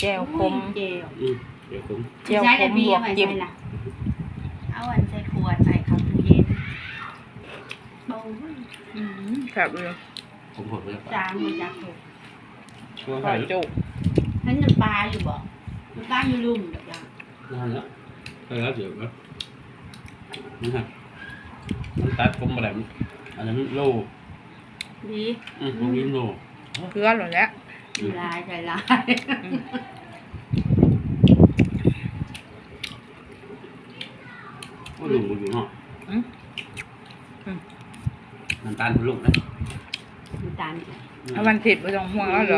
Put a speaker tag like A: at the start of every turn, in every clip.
A: แจ่วขม
B: เจล
C: เดี๋ยวผม
A: แจ่วขมลวกจิ้ม
B: เอาอันใส่ขวดใส่เข้าตู้เย็นโอ้ย
A: ครับเลย
C: ผมหดไปแล้ว
B: จางมันจะถูก
C: ตัว
A: ซ
C: ไข่
A: อยจุ
B: นั่นน้ำปลาอยู่บ่น้ำปลาอยู่ลุ่มเดี๋ยวจัง
C: นั่นแล้วไปแล้วเดี๋ยวนะนี่ฮะมันตัดผมอะไรอันนั้นโล
B: ดี
C: ผมกินโล
A: เกลือหมดแล้ว
B: มีลายใส่ลาย
C: ก็ลุงอยู่เนาะน้ำตาลคุณลุงนะ
B: น้ำตาล
A: เอาวันผิดไปตรงห่วงแล้วหรอก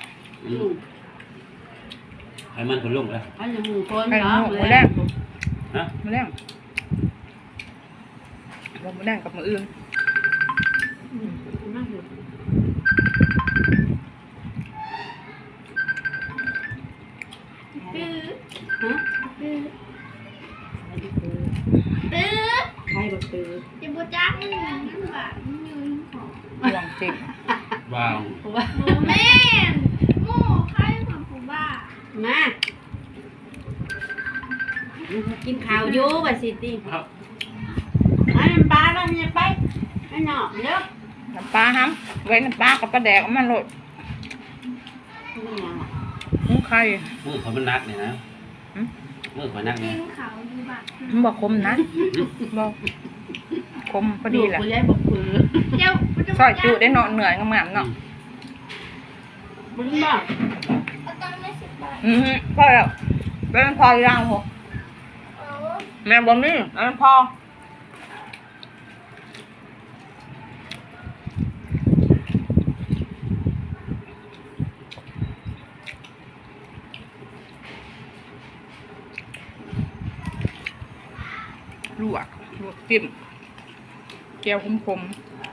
C: ให้มันคุณลุงเลย
B: อันนี้หมูคน
A: ให้
B: เนาะ
A: หมูแดง
C: ฮะ
A: หมูแดงหมูแดงกับมืออื่น
B: มากเลยตื้อฮะตื้อตื้อใครก็ตื้อ
D: จะบูจักมันเหมือนกันแบบมันอยู่ในของ
A: ห่วงจิ้ม
C: ว้าว
B: ว่า
D: แม่หมูใครของผู้บ้า
B: มากินข้าวอยู่บ่สิติ
C: ครับ
B: อันน้ำปลาแล้วเนี่ยไปให้หนอกเด้อ
A: น้ำปลาห้ำไว้น้ำปลากับปลาแดกเอามันโรย
B: นี่ยังอ่ะ
A: หุ้งไข่
C: มือเขามันนักเนี่ยนะมือเขานัก
D: กิ
C: เนี่ย
D: นเขาอยู่บ้า
A: มันบอกคมนะบอกคมพอดีแหละ
B: กูย้ายบอกปือ
D: เจ้า
A: ซอยจุได้เนาะเหนื่อยงามๆเนาะ
B: มึงบอก
D: เอาตังค์ไม่10 บาท
A: พอแล้วเป็นพอย่างหัว
D: โอ้
A: แม่บอกนี่เป็นพอลวกจิ้มแก้วคม
B: ขึ้น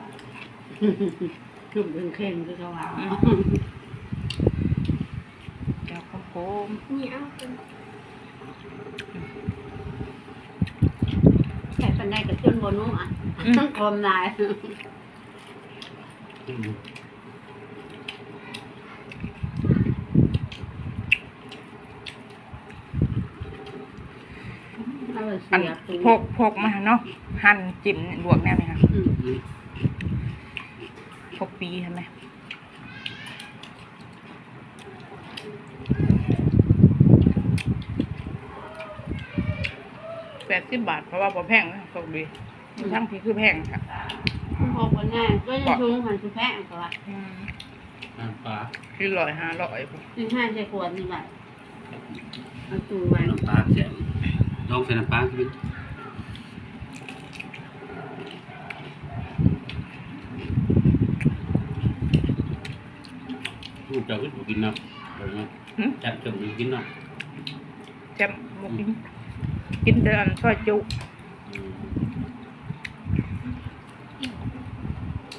B: เป็นเข่งคือเขาว่า
A: แก้วคม
D: นี่เอาเป็น
B: ใส่ปันได้กับจนบนนู้นอ่ะต้องคมลาย
A: อันพกมาเนาะหั่นจิ้มลวกแน่เลยค่ะพกปีใช่ไหม80 บาทเพราะว่าพอแพงนะตกดีทั้งพี่คือแพงค่ะ
B: พอคนง่ายก็จะชูหันสุแพงกว่า
C: น้ำปลา
A: คือ100-500
B: ซึ่งห้าใส่ขวดนี่แบบเอาตูไว้
C: น้ำปลาแข็งลองใส่น้ำปลาขึ้นลูกเจ้าก็กินเนาะจับจมูกกินเนาะ
A: แจ่มบ่กินแต่อันซอยจุ